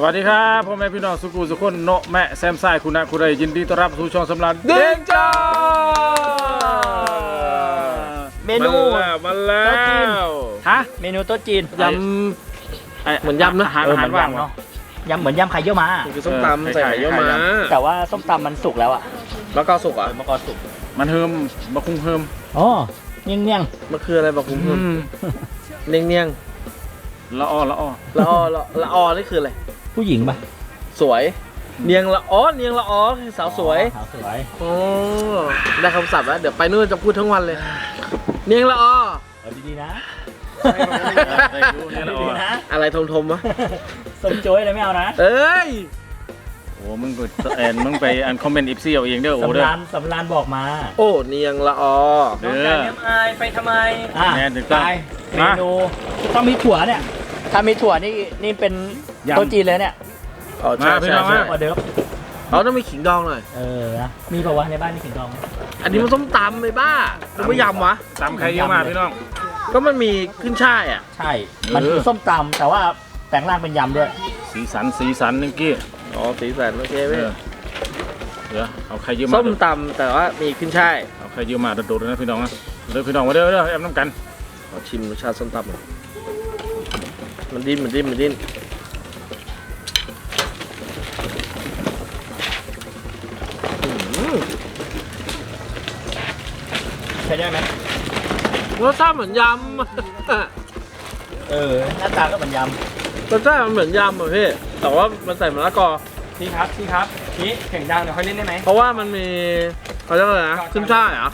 วัสดีครับพ่อแม่พี่น้องสุขุสุขคนโนแม่แซมไซคุณะคุณใดยินดีต้อนรับสู่ช่องสำราญเด้งจ้าเมนูมาแล้วฮะเมนูโต๊ะจีนยำเหมือนยำนะอาหารว่างเนาะยำเหมือนยำไข่เยี่ยวม้าคือส้มตำใส่ไข่เยี่ยวม้าแต่ว่าส้มตำมันสุกแล้วอะมะกอกสุกอ่ะมะกอกสุกมันเฮิมมะคุ้งเฮิมอ๋อเนียงมันคืออะไรบอกคุ้มเนียงเนียงละอ้อละอ้อละอ้อละอ้อนี่คืออะไรผู้หญิงปะสวยเนียงละอ้อเนียงละอ้อคือสาวสวยสาวสวยโอ้ได้คำศัพท์แล้วเดี๋ยวไปนู่นจะพูดทั้งวันเลยเนียงละอ้อดีๆนะอะไรทมวะส้มโจ้ยอะไรไม่เอานะเอ้ยโอ้มึงไปคอมเมนต์อีฟซี่เอาเองเด้อโอ้เด้อสำรานบอกมาโอ้เนียงละอ้อเด้อไปทำไมแน่ถึงตายเมนูต้องมีถั่วเนี่ยถ้ามีถั่วนี่เป็นโต๊ะจีนเลยเนี่ยมาพี่น้องมาเดี๋ยวเราต้องมีขิงดองหน่อยนะมีป่าวะในบ้านมีขิงดองอันนี้มันส้มตำเลยบ้ามันไม่ยำวะตำใครเยอะมากพี่น้องก็มันมีขึ้นช่ายอ่ะใช่มันคือส้มตำแต่ว่าแปลงร่างเป็นยำด้วยสีสันนึงกี้อ๋อสีสันโอเคไหมเดี๋ยวเอาใครเยอะมาส้มตำแต่ว่ามีขึ้นช่ายเอาใครเยอะมาโดดๆนะพี่น้องนะเดี๋ยวพี่น้องมาเด้อแอมน้ำกันขอชิมรสชาติส้มตำมันดิ้นใช้ได้ไหมรสชาติเหมือนยำหน้าตาก็เหมือนยำรสชาติมันเหมือนยำอ่ะพี่แต่ว่ามันใส่มะละกอพี่ครับนี่เสียงดังเดี๋ยวค่อยเล่นได้ไหมเพราะว่ามันมีเขาเรียกอะไรนะขึ้นช่ายเหรอ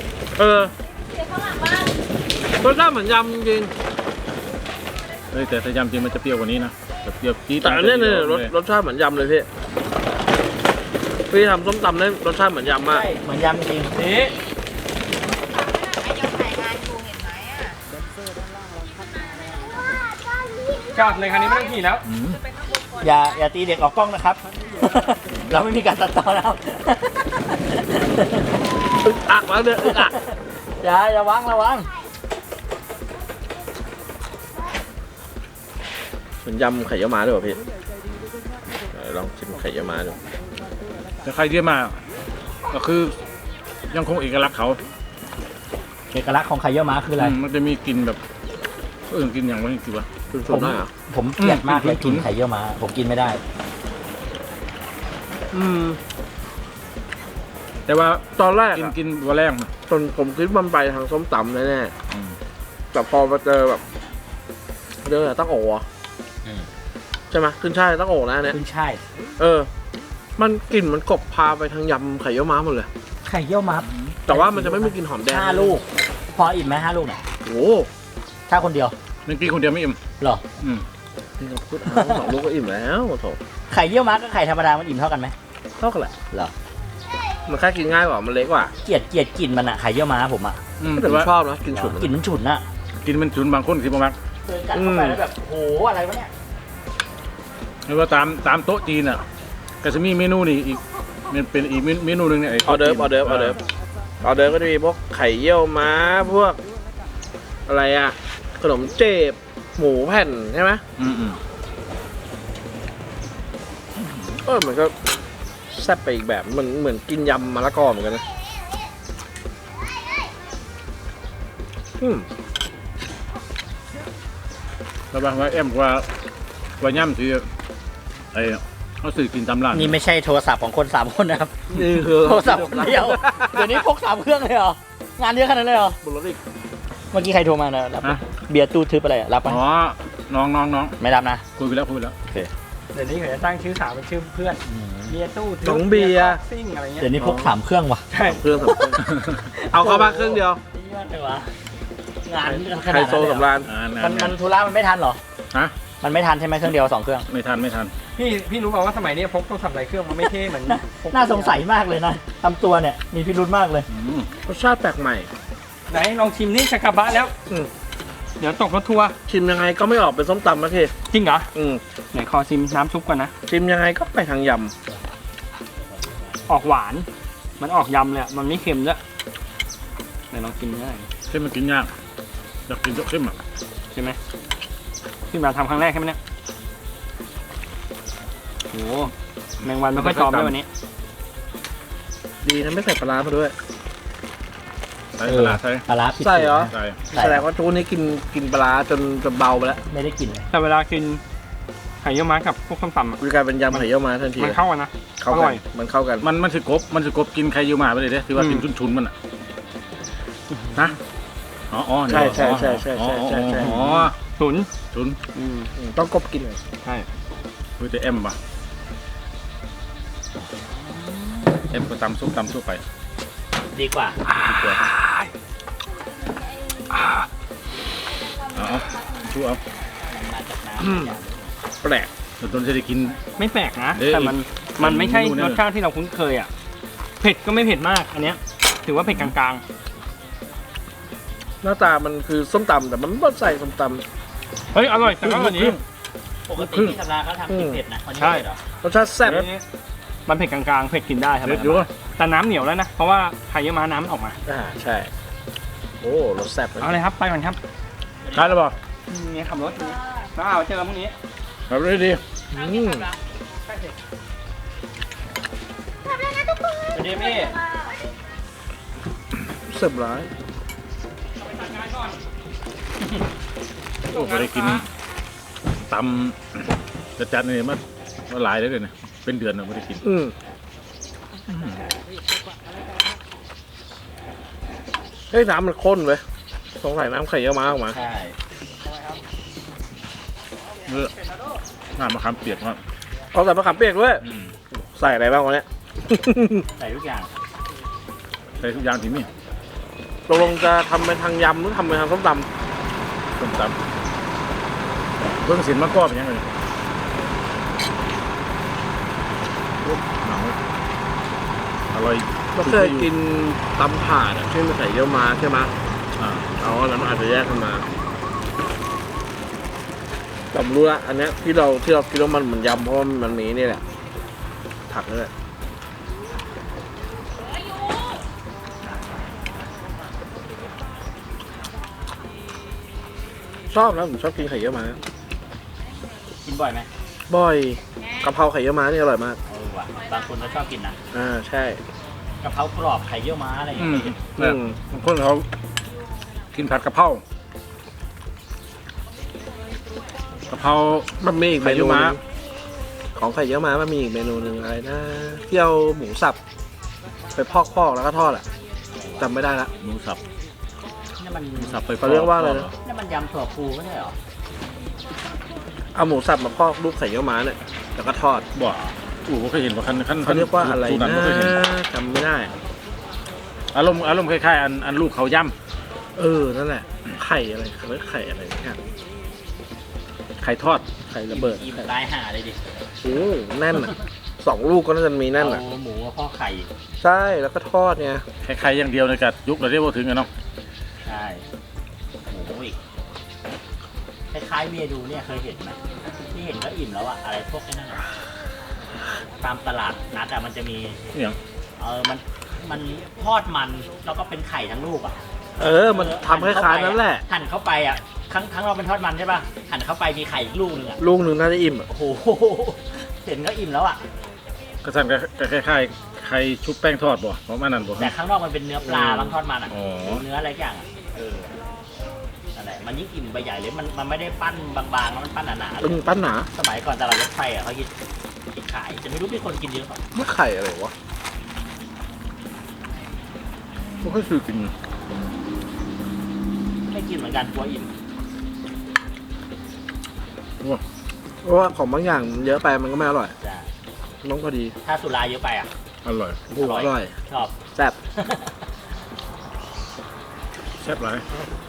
รสชาติเหมือนยำจริงแต่ยำจริงมันจะเปรี้ยวกว่านี้นะเปรี้ยวจี๊ดแต่เนี่ยรสชาติเหมือนยำเลยพี่ทำส้มตำได้รสชาติเหมือนยำมากเหมือนยำจริงนี่จอดเลยคันนี้ไม่ต้องขี่แล้วอย่าตีเด็กออกกล้องนะครับ เราไม่มีการตัดต่อแล้วอึกอักแล้วเนี่ยอึกอักอย่าวางระวังเหมือนยำไข่เยี่ยวม้าด้วยป่ะพี่ลองชิมไข่เยี่ยวม้าดูแต่ใครเยี่ยมมาก็คือยังคงเอกลักษณ์เขาเอกลักษณ์ของไข่เยี่ยวม้าคืออะไรมันจะมีกลิ่นแบบกินอย่างว่าจริงๆวะผมเกลียดมากเลยกินไข่เยี่ยวม้าผมกินไม่ได้แต่ว่าตอนแรกกินวันแรกตอนผมคิดมันไปทางส้มตำแน่ๆแต่พอมาเจอแบบเรื่องอะไรตั้งโอ๋ใช่ไหมขึ้นช่ายตั้งโอ๋นะเนี่ยขึ้นช่ายมันกลิ่นมันกบพาไปทางยำไข่เยี่ยวม้าหมดเลยไข่เยี่ยวม้าแต่ว่ามันจะไม่มีกลิ่นหอมแดง 5 ลูกพออิ่มไหม5 ลูกเนี่ยโอ้ถ้าคนเดียวนึกกินคนเดียวไม่อิ่มหรอนี่เราพูด2 ลูกก็อิ่มแล้วโถไข่เยี่ยวม้ากับไข่ธรรมดามันอิ่มเท่ากันไหมเท่ากันแหละเหรอมันแค่กินง่ายกว่ามันเล็กกว่าเกลียดกลิ่นมันอะไข่เยี่ยวม้าผมอะแต่ผมชอบนะกินฉุนกลิ่นมันฉุนอะกินมันฉุนบางคนสิบางเคยกัดเข้าไปแล้วแบบโหอะไรวะเนี่ยหรือว่าตามโต๊ะจีนอะก็จะมีเมนูนี่อีกเป็นอีกเมนูนึงเนี่ยออเดิร์ฟก็จะมีพวกไข่เยี่ยวม้าพวกอะไรอะขนมเจ็บหมูแผ่นใช่ไหมมันก็แซ่บไปอีกแบบเหมือนกินยำมะละกอเหมือนกันนะแล้วบางว่าว่าย่ำที่เขาสื่อกินตำร้านนี่ไม่ใช่โทรศัพท์ของคน3 คนนะครับนี่คือโทรศัพท์คนเดียวเดี๋ยวนี้พก3 เครื่องเลยเหรองานเยอะขนาดนั้นเลยเหรอบนรถอีกเมื่อกี้ใครโทรมานะรับเบียร์ตู้ทึบอะไรรับปะอ๋อน้องไม่รับนะคุยไปแล้วโอเคเดี๋ยวนี้เขาจะตั้งชื่อสาวเป็นชื่อเพื่อนเบียร์ตู้ทึบเบียร์ซิ่งอะไรเงี้ยเดี๋ยวนี้พก3 เครื่องว่ะใช่เครื่องเอาเข้ามาเครื่องเดียวงานไฮโซสำราญมันธุระมันไม่ทันหรอมันไม่ทันใช่ไหมเครื่องเดียว2 เครื่องไม่ทันพี่รู้เปล่าว่าสมัยนี้พกโทรศัพท์หลายเครื่องมันไม่เท่เหมือนน่าสงสัยมากเลยนะทำตัวเนี่ยมีพิรุธมากเลยรสชาติแปลกใหม่ไหนลองชิมนี่ชากาบะแล้วเดี๋ยวตกรถทัวร์ชิมยังไงก็ไม่ออกเป็นส้มตำนะพี่จริงเหรอไหนขอชิมน้ำซุปก่อนนะชิมยังไงก็ไปทางยำออกหวานมันออกยำเลยมันไม่เค็มด้วยไหนลองชิมได้เค็มมันกินยากอยากกินเค็มอ่ะใช่ไหมที่มาทำครั้งแรกใช่ไหมเนี่ยโอ้แมงวันไม่ค่อยซ้อมด้วยวันนี้ดีนะไม่ใส่ปลาร้ามาด้วยใส่ปลาใส่ปลาร้าผิดใส่เหรอใส่แสดงว่าทุกนี้กินปลาร้าจนเบาไปแล้วไม่ได้กินเลยแต่เวลากินไข่เยี่ยวม้ากับพวกส้มตำอะคือกลายเป็นยำไข่เยี่ยวม้าทันทีมันเข้ากันนะเข้าอกัร่อน ยมันเข้ากันมันคือกบกินใครอยู่มาไปเลยเด้ที่ว่ากินชุนๆมันอ่ะนะอ๋อใช่ใช่ใช่ใช่ใช่ใช่ใช่อ๋อฉุนชุนต้องกบกินเลยใช่เฮ้ยแต่เอ็มป่ะเอ็มก็ตำซุปไปดีกว่าเอาชูเอามาจากน้ำแปลกจนจะได้กินไม่แปลกนะเอ้ยแต่มันไม่ใช่เมนูเนี่ยรสชาติที่เราคุ้นเคยอ่ะเผ็ดก็ไม่เผ็ดมากอันเนี้ยถือว่าเผ็ดกลางหน้าตามันคือส้มตำแต่มันไม่ใส่ส้มตๆเฮ้ยอร่อยแต่ก็อร่อยนี้ปกติที่ธรรมดาเขาทำกินเผ็ดนะคนนี้ใช่เผ็ดเหรอำรสชาติแซ่บมันเผ็ดกลางๆเผ็ดกินได้ครับเด็ดอยู่วะแต่น้ำเหนียวแล้วนะเพราะว่าไข่เยี่ยวม้าน้ำมันออกมาใช่โอ้รสแซ่บเลยเอาเลยครับไปก่อนครับได้แล้วป่ะนี่ขับรถอยู่แล้วเอาเจอกันพรุ่งนี้แบบนี้ดีอืมสวัสดีพี่เสิร์ฟร้ายโอ้ไม่ได้กินตำจัดๆนี่มาหลายเลยเนี่ยเป็นเดือนแล้วไม่ได้กินเฮ้ยน้ำมันข้นเว้ยสงสัยน้ำไข่เยี่ยวม้าออกมาใช่เมื่อน้ำมะขามเปียกมากเอาใส่มะขามเปียกด้วยใส่อะไรบ้างวะเนี่ยใส่ทุกอย่างใส่ทุกอย่างที่นี่ตกลงจะทำเป็นทางยำหรือทำเป็นทางส้มตต้มตำเบื้องสินมะกอกเป็นยังไงโอ้หนังอร่อยำเราเคยกินตำถาดอะที่มันไข่เยี่ยวม้าใช่ไหมอ่าเอาอันนั้นอาจจะแยกกันมาแต่ผมรู้ละอันเนี้ยที่เราคิดว่ามันเหมือนยำเพราะว่ามันมีนี่แหละผักนี่แหละชอบนะผมชอบกินไข่เยี่ยวม้ากินบ่อยไหมบ่อยกะเพราไข่เยี่ยวม้านี่อร่อยมากว่ะบางคนก็ชอบกินนะใช่กะเพรากรอบไข่เยี่ยวม้าอะไรอย่างอืมเงี้ยเนี่ยบางคนเขากินผัดกะเพรามันมีอีกเมไข่เยี่นูยวม้าหนึ่งของไข่เยี่ยวม้ามันมีอีกเมนูหนึ่งอะไรนะที่เอาหมูสับไปพอกแล้วก็ทอดอ่ะจำไม่ได้ละหมูสับนี่มันหมูสับไปเขาเรียกว่าอะไรนะนี่มันยำถั่วพูไม่ใช่เหรอเอาหมูสับมาพอกรูปไข่เยี่ยวม้าเนี่ยแล้วก็ทอดบ่ผมเคยเห็นว่าขั้นเขาเรียกว่าอะไรสูตนะบ่เคยเห็นจำไม่ได้อารมณ์คล้ายๆอันลูกเขาย่นั่นแหละไข่อะไรเขาเรียกไข่อะไรเนี่ยำไข่ทอดไข่ระเบิดอิ่มตายห่าเลยดิโอ้แน่นอ่ะ2 ลูกก็น่าจะมีแน่นอ่ะเอาหมูมาพ่อไข่ใช่แล้วก็ทอดเนี่ยคล้ายๆอย่างเดียวในกัดยุคเราเรียกว่าถึงกันเนาะใช่หมูอีกคล้ายๆเมนูเนี่ยเคยเห็นไหมที่เห็นก็อิ่มแล้วอะอะไรพวกนี้นั่นอะตามตลาดนัดอะมันจะมีอย่างมันทอดมันแล้วก็เป็นไข่ทั้งลูกอะมันทำคล้ายๆนั้นแหละหั่นเข้าไปอะทั้งเราเป็นทอดมันใช่ป่ะหั่นเข้าไปมีไข่อีกลูกหนึงอะลูกหนึ่งน่าจะอิ่มอะโอ้โหเห็นก็อิ่มแล้วอะกระสันก็คล้ายๆไข่ชุบแป้งทอดบ่เพราะมันนั่นบ่แต่ข้างนอกมันเป็นเนื้อปลาบางทอดมันอะอ๋อเนื้ออะไรอย่างอะนั่นแหละมันยิ่งอิ่มไปใหญ่เลยมันไม่ได้ปั้นบางๆแล้วมันปั้นหนาๆเลยปั้นหนาสมัยก่อนตลาดรถไฟอะเขาคิดขายจะไม่รู้มีคนกินเยอะเปล่าไม่ไข่อะไรวะไม่ค่อยซื้อกินไม่กินเหมือนกันกลัวอิ่มเพราะว่าของบางอย่างเยอะไปมันก็ไม่อร่อยจ้ะต้องพอดีถ้าสุราเยอะไปอะอร่อยโอ้อร่อยชอบแซ่บแซ่บหลาย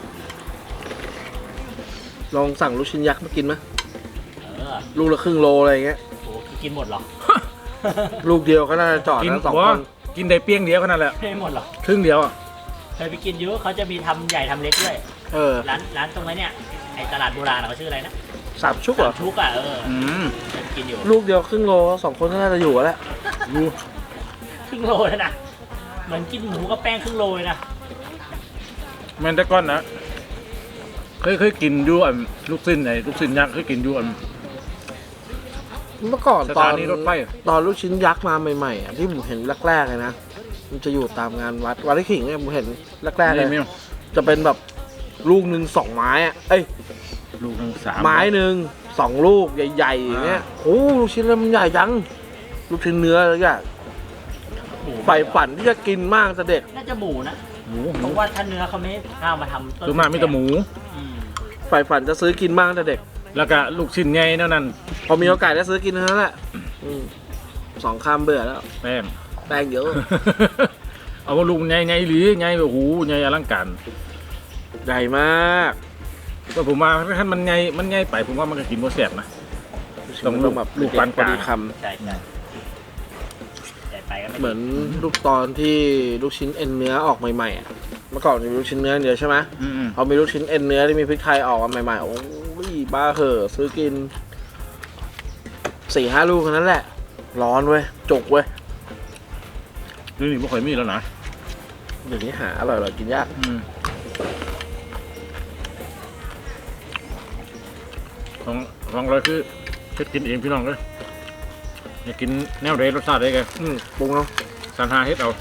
ลองสั่งลูกชิ้นยักษ์มากินไหมเลูกละครึ่งโลอะไรอย่างเงี้ยโอ้กินหมดเหรอลูกเดียวก็น่าจะจอดกินแล้ว2 บ่คนกินได้เปี้ยงเดียวขนาดแหละไม่หมดเหรอครึ่งเดียวอ่ะเคยไปกินเยอะเขาจะมีทำใหญ่ทำเล็กด้วย ร้านตรงนี้เนี่ยไอตลาดโบราณอะเขาชื่ออะไรนะ 3 ชุกเหรอชุกอะอืมเคยไปกินอยู่ลูกเดียวครึ่งโล2 คนก็น่าจะอยู่แล้วดูครึ่งโลเลยนะเหมือนกินหมูกับแป้งครึ่งโลเลยนะแม่นแต่ก้อนนะเคยกินอยู่อันลูกสิ้นยักษ์เคยกินอยู่อันเมื่อก่อนสตอถาน นีรถไฟตอนลูกชิ้นยักษ์มาใหม่ๆอ่ะที่ผมเห็นแรกๆเลยนะมันจะอยู่ตามงานวัดไร่ขิงเนี่ยผมเห็นแรกๆเลยนี่จะเป็นแบบลูกหนึ่ง2 ไม้อ่ะเอ้ยลูกหนึง3 ไม้หนึ่ง2 ลูกใหญ่ๆอย่างเงี้ยโอ้ลูกชิ้นแล้วมันใหญ่จังลูกชิ้นเนื้ออะไรอย่างหมูใฝ่ฝันที่จะกินมากแต่เด็กน่าจะหมูนะหมูเพราะว่าถ้าเนื้อเขาไม่เอามาทำต้นส่วนมากมีแต่หมูอืมใฝ่ฝันจะซื้อกินมากแต่เด็กแล้วก็ลูกชิ้นใหญ่เท่านั้นพอมีโอกาสได้ซื้อกินเท่านั้นแหละ2 คำเบื่อแล้วแป้งแป้งเยอะเอาว่าลูกใหญ่ๆหรือใหญ่แบบหูใหญ่อลังการใหญ่มากก็ผมว่าถ้ามันใหญ่ไปผมว่ามันก็กินบ่แซ่บนะ ต้องลูกแบบลูกปานกลางพอดีคใช่ใช่ใส่ไปก็ไม่ำเหมือนลูกตอนที่ลูกชิ้นเอ็นเนื้อออกใหม่ๆอ่ะเมื่อก่อนจะมีลูกชิ้นเนื้อเดียวใช่ไหมอืมพอมีลูกชิ้นเอ็นเนื้อที่มีพริกไทยออกมาใหม่ๆโอ้ยบ้าเหอะซื้อกิน4-5 ลูกแค่นั้นแหละ ร้อนเว้ยจุกเว้ยๆนี่ไม่ค่อยมีแล้วนะเดี๋ยวนี้หาอร่อยๆกินยากของเราคือเฮ็ดกินเองพี่น้องเลยอยากกินแนวใดรสชาติใดกันปรุงเอาสรรหาเฮ็ดเอา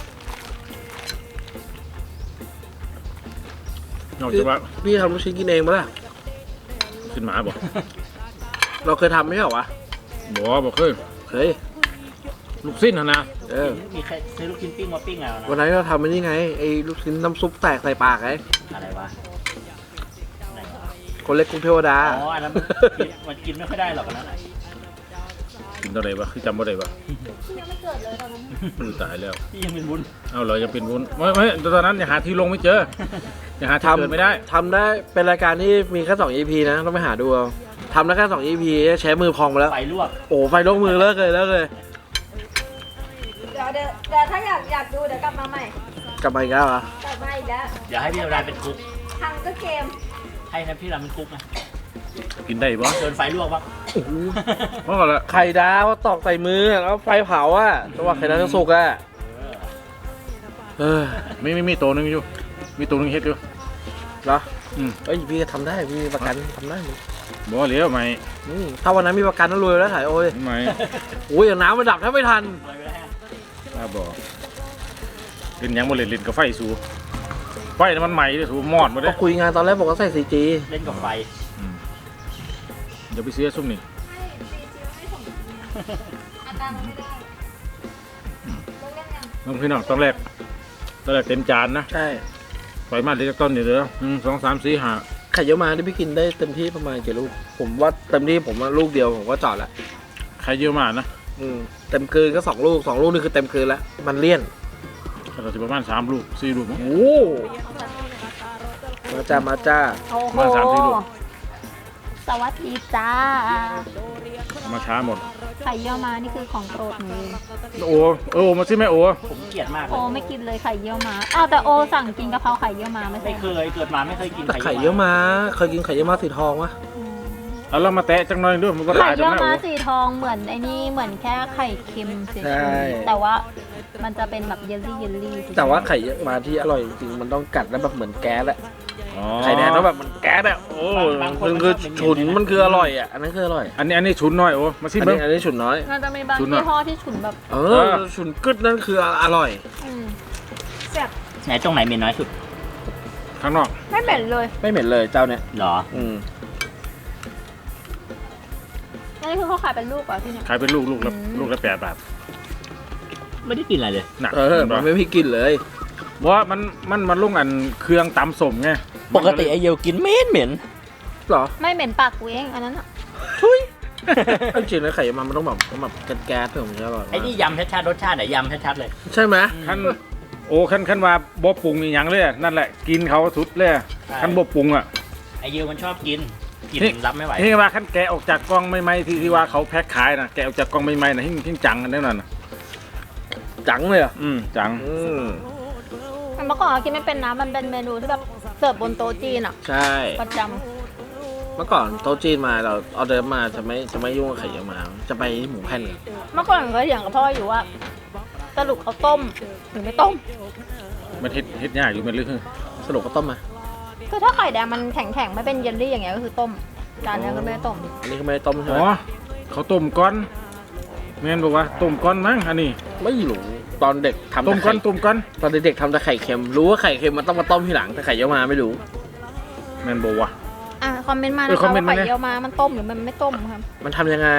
นอกจากว่าพี่ทำลูกชิ้นกินเองปะล่ะกินหมาบ่เราเคยทำไม่ใช่เหรอวะบ่เคยเคยลูกสิ้นหั่นนะมีใครซื้อลูกชิ้นปิ้งมาปิ้งเอานะวันนั้นเราทำไม่นี่ไงไอ้ลูกชิ้นน้ำซุปแตกใส่ปากไงอะไรวะไหนวะคนเล็กกรุงเทวดาอ๋ออันนั้นมันกินไม่ค่อยได้หรอกอันนั้นน่ะกินเท่าใดวะคือจำบ่ได้วะยังไม่เกิดเลยตอนนั้นมือตายแล้วที่ยังเป็นวุ้นเอาเราจะเป็นวุ้นไม่ตอนนั้นยังหาที่ลงไม่เจอยังหาที่เกิดไม่ได้ทำได้เป็นรายการที่มีแค่2 EP นะต้องไปหาดูเอาทำได้แค่2 EP ใช้มือพองไปแล้วไฟลวกโอ้ไฟลงมือเลิกเลยเดี๋ยวถ้าอยากดูเดี๋ยวกลับมาใหม่กลับมาอีกแล้วเหรอกลับมาอีกแล้วเดี๋ยวให้พี่เราเป็นคุกทางก็เกมให้นะพี่เราเป็นคุกนะกินได้บ่เดินไฟลวกบ้างเพราะอะไรไข่ดาวตอกใส่มือแล้วไฟเผาอ่ะจังหวะไข่ดาวจะสุกอ่ะเออมีตัวหนึงอยู่มีตัวหนึงเฮ็ดอยู่เหรออืมเอ้ยพี่ก็ทำได้พี่มีประกันทำได้บ่เหลียวไหมถ้าวันนั้นมีประกันต้องรวยแล้วถ่ายโอ้ยไหมโอ้ยอย่างน้ำมันดับแทบไม่ทันเลยไปแล้วฮะถ้าบ่เล่นหยังบ่เล่นกับไฟสูไฟน่ะมันไหม้เด้อสูมอดบ่ก็ได้คุยงานตอนแรกบอกว่าใส่ 4G เล่นกับไฟเดี๋ยวไปซื้อซุ่มนี่ให้ซีจิไม่ส่งอาการไม่ได้ต้องเล่นยังน้องพี่น้องตอนแรกเต็มจานนะใช่ไฟมาเล็กต้นนี่เด้อ1 2 3 4 5 ไข่เยอะมาที่พี่กินได้เต็มที่ประมาณกี่ลูกผมว่าเต็มที่ผมว่าลูกเดียวผมก็จอดละใครเยอะมากนะเต็มคืนก็2 ลูก2 ลูกนี่คือเต็มคืนแล้วมันเลี่ยนเราจะประมาณ3 ลูก 4 ลูกมั้งโอ้มาจ้ามาจ้าโอ้โหมา3 4 ลูกสวัสดีจ้ามาช้าหมดไข่เยี่ยวม้านี่คือของโปรดหนูโอ้มาสิแม่โอ้ผมเกลียดมากเลโอย ไม่กินเลยไข่เยี่ยวม้าอ้าวแต่โอสั่งกินกะเพราไข่เยี่ยวม้าไม่ใช่ไม่เคยเกิดมาไม่เคยกินแต่ไข่เยอะมาเคยกินไข่เยอะมาสีทองวะอืมเอาเรามาแตะจังหน่อยด้วยมันก็ไข่ตายจัเยี่งยวแม่ม้าโอ้สีทองเหมือนไอ้นี่เหมือนแค่ไข่เค็มเฉยๆแต่ว่ามันจะเป็นแบบเยลลี่เฉยๆแต่ว่าไข่เยอะมาที่อร่อยจริงๆมันต้องกัดแล้วแบบเหมือนแก๊สอะอ๋อไข่แดงต้องแบบเหมันแก๊สอะโอ้มันคือฉุนมันคืออร่อยอะอันนั้นคืออร่อยอันนี้ฉุนหน่อยโอ้มาสิอันเบิ้นี้งอันนี้ฉุนน้อยมันจะมีบางฉุนอะยี่ห้อที่ฉุนแบบฉุนกึดนั่นคืออร่อยแซ่บไหนตรงไหนเหม็นน้อยสุดข้างนอกไม่เหม็นเลยไม่เหม็นเลยเจ้าเนี่ยเหรออันนี้คือเขาขายเป็นลูกเหรอ่ะพี่เนี่ยขายเป็นลูกละอืมลูกละ8 บาทไม่ได้กินอะไรเลยหนักมันไม่มีกลินเลยเพราะว่ามันลุงอันเครื่องตำสมไงปกติไอเยลกินเหม็นหรอไม่เหม็นปากกูเองอันนั้นอ่ะจริงๆแล้วไข่เยอะมามันต้องแบบแก๊สๆถึงจะอร่อยไอ้นี่ยำชัดๆรสชาติไหนยำชัดๆเลยใช่ไหมขั้นโอ้ขั้นว่าบ่ปรุงอีหยังเลยนั่นแหละกินเขาสุดเลยขั้นบ่ปรุงอ่ะไอเยลมันชอบกินรับไม่ไหวนี่ว่าขั้นแกะออกจากกล้องใหม่ๆที่ว่าเขาแพ็คขายนะแกะออกจากกล้องใหม่ๆนะหิ้งจังกันแน่นอนนะจังเลยอ่ะจังเมื่อก่อนเรากินไม่เป็นนะมันเป็นเมนูที่แบบเสิร์ฟบนโต๊ะจีนอ่ะใช่ประจเมื่อก่อนโต๊ะจีนมาเราออเดอร์มาจะไม่ยุ่งกับไข่เยอะมาจะไปหมูแผ่นกันำเมื่อก่อนก็เถียงกับพ่ออยู่ว่าสรุปเขาต้มหรือไม่ต้มมันเฮ็ดยากอยู่มันลึกสรุปก็ต้มมาคือถ้าไข่แดงมันแข็งๆไม่เป็นเยลลี่อย่างเงี้ยก็คือต้มจานนี้ก็ไม่ได้ต้มอันนี้ก็ไม่ได้ต้มใช่อ๋ไหมอเขาต้มก่อนแม่นบอกว่าต้มก้อนมั้งอันนี้ไม่รู้ตอนเด็กทำต้มก้อนต้มก้อนตอนเด็กๆทำแต่ไข่เค็มรู้ว่าไข่เค็มมันต้องมาต้มทีหลังแต่ไข่เยี่ยวมาไม่รู้แม่นบอกว่าอ่ะคอมเมนต์มาเออนะคอคะมเมนต์ว่ามาไข่เนี่ยเยี่ยวมามันต้มหรือมันไม่ต้มครับมันทำยังไง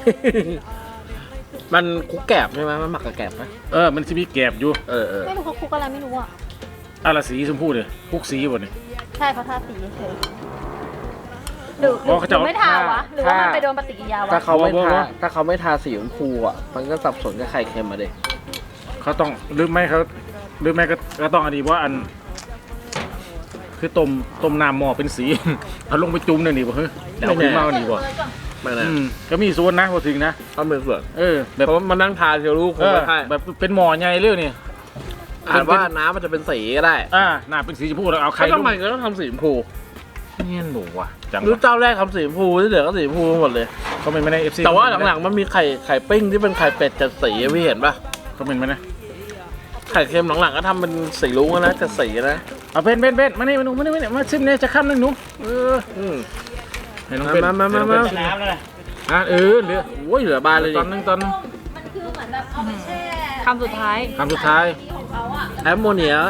มันคลุกแกบใช่ไหมมันหมักกับแกบไหมมันจะมีแกบอยู่เออไม่รู้เขาคลุกอะไรไม่รู้อ่ะอะไรสีชมพูเนี่ยพวกสีบ่เนี่ยใช่เขาทาสีเฉยๆหรืออ๋อเขาจะเอาไม่ทาวะหรือว่ามันไปโดนปฏิกิริยาวะถ้าเขาไม่บอกทาว่าถ้าเขาไม่ทาสีชมพูอ่ะมันก็สับสนกับไข่เค็มมาเด็เขาต้องหรือไม่ก็ต้องอันนี้ว่าอัน คือต้มน้ำหม้อเป็นสี เอาลงไปจุ่มเนี่ยนี่บ่เฮ้ยเดี๋ยวเอาขึ้นมาเอานี่บ่ไม่นะก็มีส่วนนะพอถึงนะต้องเป็นส่วนแบบเพราะมันนั่งทาเชียวรู้คงไม่ใช่แบบเป็นหม้อใหญ่เรื่องนี่อ่านว่าน้ำมันจะเป็นสีก็ได้หน้าเป็นสีชมพูแล้วเอาไข่แล้วลทำงไมก็ต้องทำสีชมพูเนี่ยหนูว่ะจังรู้วะเจ้าแรกทำสีชมพูที่เหลือก็สีชมพูหมดเลยเขาเป็นไม่ได้ FC แต่ว่าหลังๆมันมีไข่ปิ้งที่เป็นไข่เป็ดจัดสีพี่เห็นปะเขาเป็นไหมนะไข่เค็มหลังๆก็ทำเป็นสีรุ้งนะจัดสีนะเอาเป็นมานี่มาหนูมานี่มาชิมเนี่ยจะข้ามนึงหนูให้น้องเป็นมาน้ำแล้วนะเหลือโอ้ยเหลือบานเลยตดิอนนึงมันคือเหมือนแบบเอาไปแช่คำสุดท้ายคำสุดท้ายของเขาอ่ะแอมโมเนีย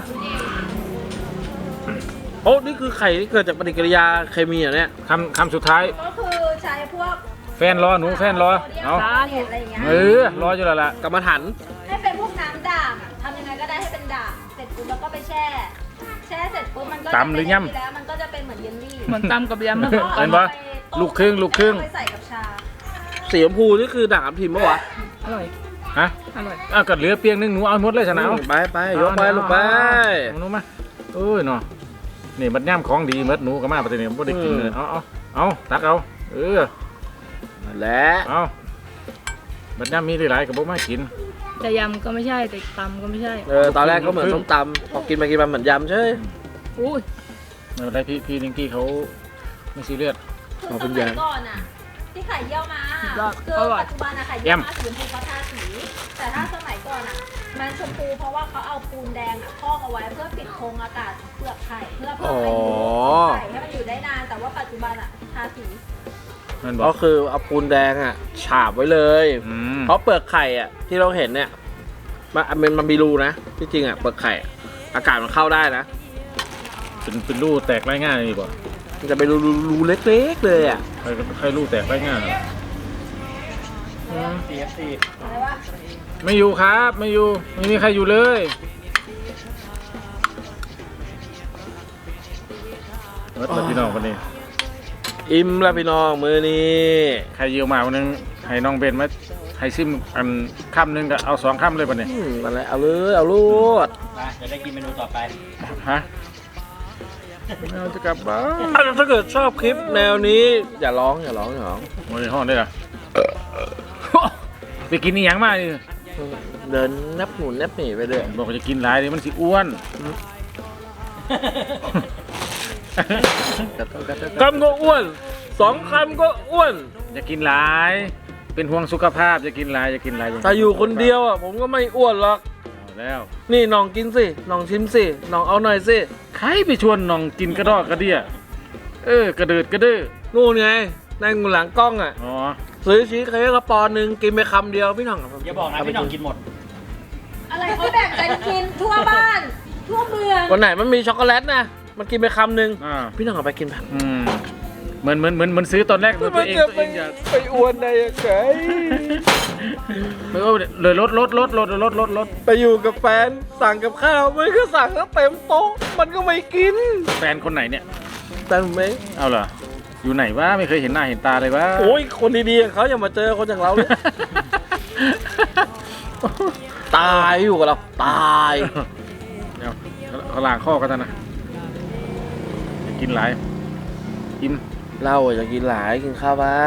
โอ้นี่คือไข่ที่เกิดจากปฏิกิริยาเคมีอย่างเนี้ยคำสุดท้ายก็คือใช้พวกแฟนรอหนูแฟนรอเอาอะไรอย่างเงี้ยรออยู่แล้วล่ะกรรมฐานให้เป็นพวกน้ำด่างอะทำยังไงก็ได้ให้เป็นด่างเสร็จปุ๊บแล้วก็ไปแช่ แช่เสร็จปุ๊บมันก็จะตำหรือย่ำเป็นแล้วมันก็จะเป็นเหมือนเยลลี่เหมือนตำกับยำนะแล้วก็เห็นปะอาไปต้มลูกครึ่งแล้วก็ไปใส่กับชาสีชมพูนี่คือด่างทับทิมปะวะอร่อยฮะอร่อยเอากัดเหลือเปียงนึงหนูเอาหมดเลยชนะเอาไปยกไปลูกไปหนูมาเอ้ยเนาะนี่มันย่ำของดีเมดหนูก็มาประเดี๋ยวนี้ไม่ได้กินเลยเอาตักเอาและเอามันย่ำมีหลายกับบ่มากินแต่ยำก็ไม่ใช่ แต่ตำก็ไม่ใช่ตอนแรกก็เหมือนส้มตำพอกินไปกินมาเหมือนยำใช่อุ้ยไม่เป็นไรพี่นิงกี้เขาไม่ซีเรียสคือสมัยก่อนอ่ะที่ไข่เยี่ยวมาคือปัจจุบันอะไข่เยี่ยวมาสีชมพูเขาทาสี แต่ถ้าสมัยก่อนอ่ะ มันชมพูเพราะว่าเขาเอาปูนแดงอ่ะพอกเอาไว้เพื่อปิดโครงอากาศเปลือกไข่เพื่อเพิ่มอายุไข่ให้มันอยู่ได้นาน แต่ว่าปัจจุบันอ่ะทาสีมันบอก็กคือเอาปูนแดงอ่ะฉาบไว้เลย เพราะเปลือกไข่อ่ะที่เราเห็นเนี่ยมันมีรูนะที่จริงอ่ะเปลือกไข่อากาศมันเข้าได้นะเป็นรูแตกไร้ง่ายนี่บ่มันจะเป็นรูเล็กๆเลยอ่ะใครรูแตกไร้ง่าย CFC อะไรวะไม่อยู่ครับไม่อยู่ไม่มีใครอยู่เลยแล้วพี่น้องคนนี้อิ่มแล้วพี่น้องมือนี้ใครเยี่ยวมาวันนึงให้น้องเบนมาให้ซิมอันค่ำนึงก็เอา2ค่ำเลยป่ะเนี่ยอะไรเอาเลยเอาลูดมาจะได้กินเมนูต่อไปฮะเราจะกลับบ้านถ้าเกิดชอบคลิปแนวนี้อย่าร้องโอ้ยห้องได้เหรอไปกินนี่ยังมาดิเดินนับหนุนนับหนีไปเรื่อยบอกว่าจะกินหลายดิมันสิอ้วนคำก็อ้วน2 คำก็อ้วนอย่ากินหลาย เป็นห่วงสุขภาพอย่ากินหลายอย่ากินหลายถ้าอยู่คนเดียวอ่ะผมก็ไม่อ้วนหรอกเอาแล้วนี่น้องกินสิน้องชิมสิน้องเอาหน่อยสิใครไปชวนน้องกินกระดอกกระเดี่ยกระเดิดกระเด้อนู่นไงนั่งอยู่หลังกล้องอ่ะอ๋อซื้อชีสเค้กกระปอนหนึ่งกินไปคำเดียวพี่หน่องอย่าบอกนะพี่หน้องกินหมดอะไรเขาแบ่งกันกินทั่วบ้าน ทั่วเมืองวันไหนมันมีช็อกโกแลตนะมันกินไปคำหนึ่งอ่าพี่หน่องเอาไปกินแบบเหมือนซื้อตอนแรกตัวเองอยากไปอ้วนได้ยังไงไม่ว่าเลยลดไปอยู่กับแฟนสั่งกับข้าวมันก็สั่งแล้วเต็มโต๊ะมันก็ไม่กินแฟนคนไหนเนี่ยแต่ไหมเอาเหรออยู่ไหนวะไม่เคยเห็นหน้าเห็นตาเลยวะโอ้ยคนดีๆอย่างเขาอย่ามาเจอคนอย่างเราเลย ตายอยู่กับเราตายเดี๋ยวเขาล้างข้อกันนะอย่ากินหลายกินเราอยากกินหลายกินข้าวบ้าง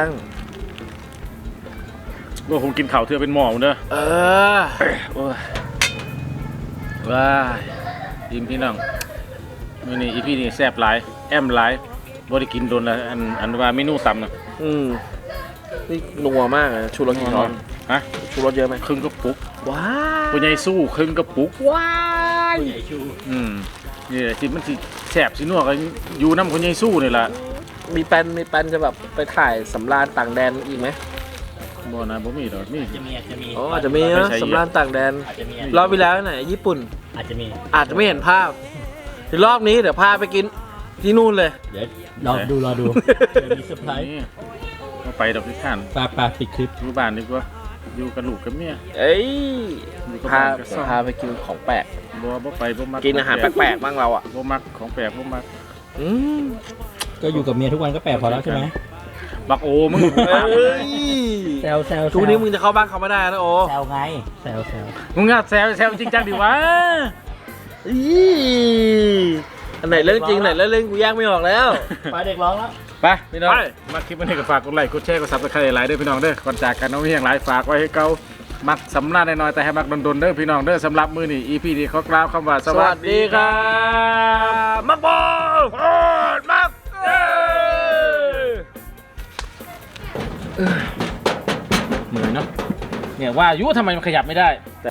ว่าคงกินข่าวเธอเป็นหมอเนอะเออโอ้ยว้ายยิ้มพี่น้องมื้อนี้อีพี่นี่แซ่บหลายแอมหลายบ่ได้กินโดนละอันว่าเมนูต่ำนะนี่นัวมากเลยชูรสกี่ช้อนฮะชูรสเยอะไหมครึ่งกระปุกว้าผู้ใหญ่สู้ครึ่งกระปุกว้ายใหญ่ชูนี่แหละที่มันสิแซ่บสินัวกันอยู่น้ำคนใหญ่สู้นี่ล่ะมีแปนจะแบบไปถ่ายสำราญต่างแดนอีกไหมบ่นะบ่มีดอกนี่อาจจะมีอ๋ออาจจะมีนะสำราญต่างแดนอาจจะมีรอบที่แล้วไหนญี่ปุ่นอาจจะมีอาจจะไม่เห็นภาพในรอบนี้เดี๋ยวพาไปกินที่นู่นเลยเดี๋ยวรอดูเดี๋ยวมีเซอร์ไพรส์นี่บ่ไปดอกที่ท่านปลาปิดคลิปอยู่บ้านดีกว่าอยู่กับลูกกับเมียเอ้ยอยู่กับพาบ้านกับซ่องพาไปกินของแปลกบ่ไปบ่มักกินอาหารแปลกๆบ้างเราอ่ะบ่มักของแปลกบ่มักอืมก็อยู่กับเมียทุกวันก็แปลกพอแล้วใช่ไหมบักโอมึงเอ้ยแซวแซวทุกนี้มึงจะเข้าบ้านเขาไม่ได้นะโอ้แซวไงแซวมึงอะแซวจริงจังดิวะอีอันไหนเรื่องจริงไหนเรื่องเล่นกูแยกไม่ออกแล้วไปเด็กร้องแล้วไปพี่น้องมาคลิปวันนี้ก็ฝากกดไลค์กดแชร์กดซับสไครต์หลายเด้อพี่น้องเด้อก่อนจากกันน้องเฮียงหลายฝากไว้ให้เก่ามักสำราญน้อยๆแต่ให้มักดนๆเด้อพี่น้องเด้อสำหรับมื้อนี้ EP นี้ขอกล่าวคำว่าสวัสดีครับมักบอลมักเหนื่อยเนาะเนี่ยว่าอยู่ทำไมมันขยับไม่ได้